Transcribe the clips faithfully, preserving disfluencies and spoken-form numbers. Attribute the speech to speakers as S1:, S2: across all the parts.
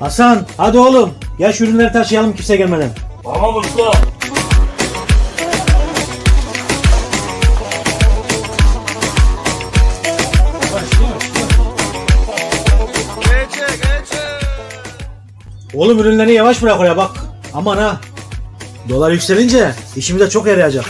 S1: Hasan hadi oğlum. Gel şu ürünleri taşıyalım kimse gelmeden.
S2: Tamam usta.
S1: Oğlum ürünleri yavaş bırak oraya bak. Aman ha. Dolar yükselince işimize çok yarayacak.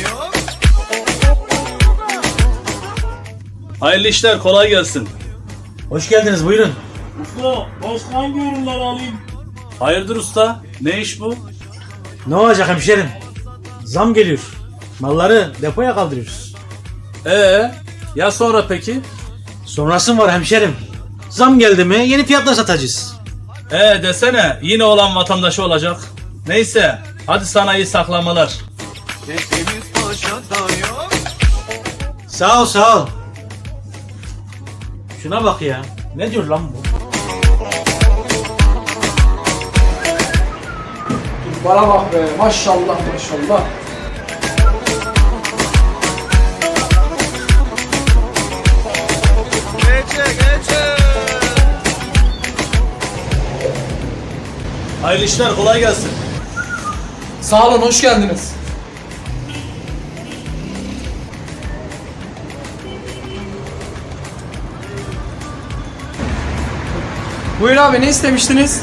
S2: Hayırlı işler, kolay gelsin.
S1: Hoş geldiniz buyurun.
S2: Usta, başka hangi ürünleri alayım? Hayırdır usta? Ne iş bu?
S1: Ne olacak hemşerim? Zam geliyor. Malları depoya kaldırıyoruz.
S2: Ee, ya sonra peki?
S1: Sonrası mı var hemşerim? Zam geldi mi yeni fiyatla satacağız.
S2: Ee desene, yine olan vatandaşı olacak. Neyse, hadi sana iyi saklamalar.
S1: Sağ ol sağ ol. Şuna bak ya. Ne diyor lan bu?
S3: Bana bak be, maşallah maşallah.
S2: Hayırlı işler, kolay gelsin.
S3: Sağ olun, hoş geldiniz. Buyur abi, ne istemiştiniz?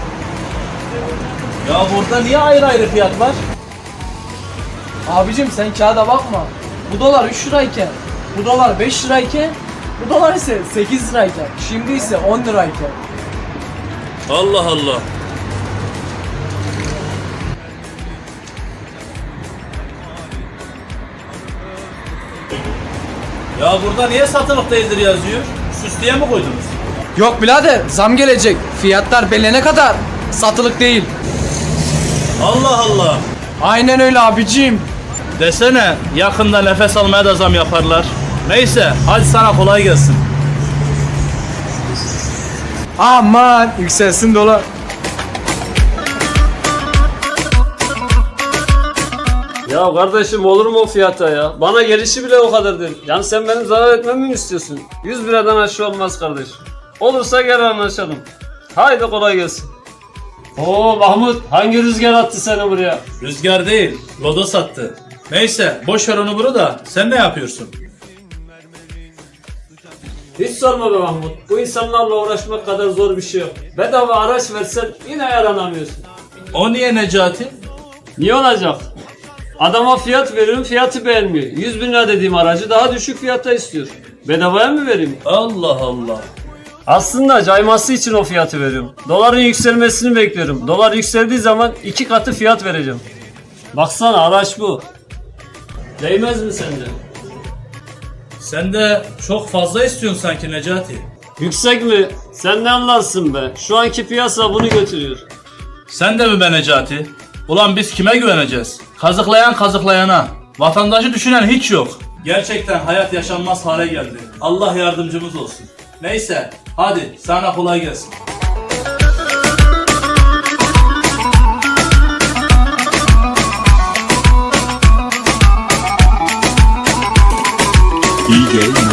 S2: Ya burada niye ayrı ayrı fiyat var?
S3: Abicim sen kağıda bakma. Bu dolar üç lirayken, bu dolar beş lirayken, bu dolar ise sekiz lirayken, şimdi ise on lirayken.
S2: Allah Allah. Ya burada niye satılık değildir yazıyor? Süslüye mi koydunuz?
S3: Yok birader, zam gelecek. Fiyatlar belirlene kadar satılık değil.
S2: Allah Allah.
S3: Aynen öyle abicim.
S2: Desene, yakında nefes almaya da zam yaparlar. Neyse, hadi sana kolay gelsin.
S3: Aman yükselsin dolar.
S4: Ya kardeşim olur mu o fiyata ya? Bana gelişi bile o kadar değil. Yani sen benim zarar etmemi mi istiyorsun? yüz liradan aşağı olmaz kardeşim. Olursa gel anlaşalım. Haydi kolay gelsin. Oo Mahmut, hangi rüzgar attı seni buraya?
S2: Rüzgar değil, lodos attı. Neyse, boş ver onu bunu da. Sen ne yapıyorsun?
S4: Hiç sorma be Mahmut. Bu insanlarla uğraşmak kadar zor bir şey yok. Bedava araç versen yine yaranamıyorsun.
S2: O niye Necati?
S4: Niye olacak? Adama fiyat veriyorum, fiyatı beğenmiyor. yüz bin lira dediğim aracı daha düşük fiyata istiyor. Bedavaya mı vereyim?
S2: Allah Allah.
S4: Aslında cayması için o fiyatı veriyorum. Doların yükselmesini bekliyorum. Dolar yükseldiği zaman iki katı fiyat vereceğim. Baksana araç bu. Değmez mi sence?
S2: Sen de çok fazla istiyorsun sanki Necati.
S4: Yüksek mi? Sen ne anlarsın be? Şu anki piyasa bunu götürüyor.
S2: Sen de mi be Necati? Ulan biz kime güveneceğiz? Kazıklayan kazıklayana. Vatandaşı düşünen hiç yok. Gerçekten hayat yaşanmaz hale geldi. Allah yardımcımız olsun. Neyse, hadi sana kolay gelsin.
S5: D J